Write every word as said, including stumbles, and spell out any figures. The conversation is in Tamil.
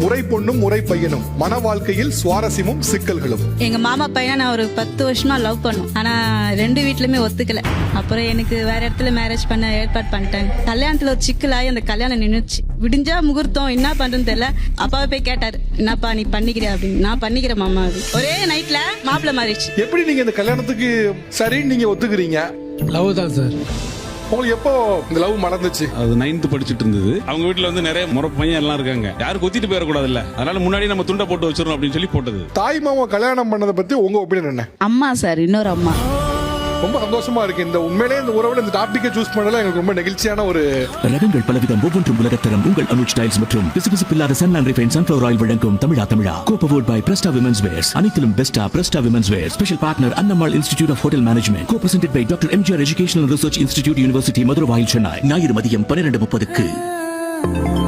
முறை பொண்ணும் முறை பையனும் மன வாழ்க்கையில் சுவாரஸ்யமும் சிக்கல்களும். எங்க மாமா பையனை நான் ஒரு பத்து வருஷமா லவ் பண்ணோம். ஆனா ரெண்டு வீட்லயுமே ஒத்துக்கல. அப்புறம் எனக்கு வேற இடத்துல மேரேஜ் பண்ண ஏற்பாடு பண்ணிட்டாங்க. கல்யாணத்துல ஒரு சிக்கலாகி அந்த கல்யாணம் நின்னுச்சு. விடிஞ்சா முகூர்த்தம் என்ன பண்றதுன்னு தெரியல. அப்பாவை போய் கேட்டாரு, என்னப்பா நீ பண்ணிக்கிறியா அப்படின்னு. நான் பண்ணிக்கிறேன் மாமா அப்படின்னு. ஒரே நைட்ல மாப்பிள்ள மாறிடுச்சு. எப்படி நீங்க இந்த கல்யாணத்துக்கு சரின்னு நீங்க ஒத்துக்கிறீங்க? லவ் தான் சார். உங்களுக்கு எப்போ இந்த லவ் மறந்துச்சு? அது நைன்த் படிச்சுட்டு இருந்தது. அவங்க வீட்டுல வந்து நிறைய முறை பையன் எல்லாம் இருக்காங்க. யாரும் கொத்திட்டு போயிடக்கூடாது இல்ல, அதனால முன்னாடி நம்ம துண்டை போட்டு வச்சிடணும் அப்படின்னு சொல்லி போட்டது. தாய் மாமா கல்யாணம் பண்ணதை பத்தி உங்க ஒப்பீனியன் என்ன? அம்மா சார், இன்னொரு அம்மா. ரொம்ப சந்தோஷமா இருக்கு. இந்த உண்மையிலே இந்த உறவுல இந்த டாபிக்கை சூஸ் பண்ணல எங்களுக்கு ரொம்ப நெகிழ்ச்சியான ஒரு. ரகங்கள் பலவிதம், ஒவ்வொன்றும் உலகத்தரம். உங்கள் அனுஜ் ஸ்டைல்ஸ் மற்றும் பிசுபிசுப்பில்லாத சன்லாண்ட் ரிஃபைன் சன்ஃப்ளவர் ஆயில் வழங்கும் தமிழா தமிழா கோபவோட் பை பிரஸ்டா விமென்ஸ் வேர்ஸ். அனைத்திலும் பெஸ்டா Presta women's wear. Special partner Annammal institute of hotel management. Co presented by doctor MGR educational research institute, university Maduravoyal, Chennai. ஞாயிறு மதியம் பன்னிரண்டு முப்பதுக்கு.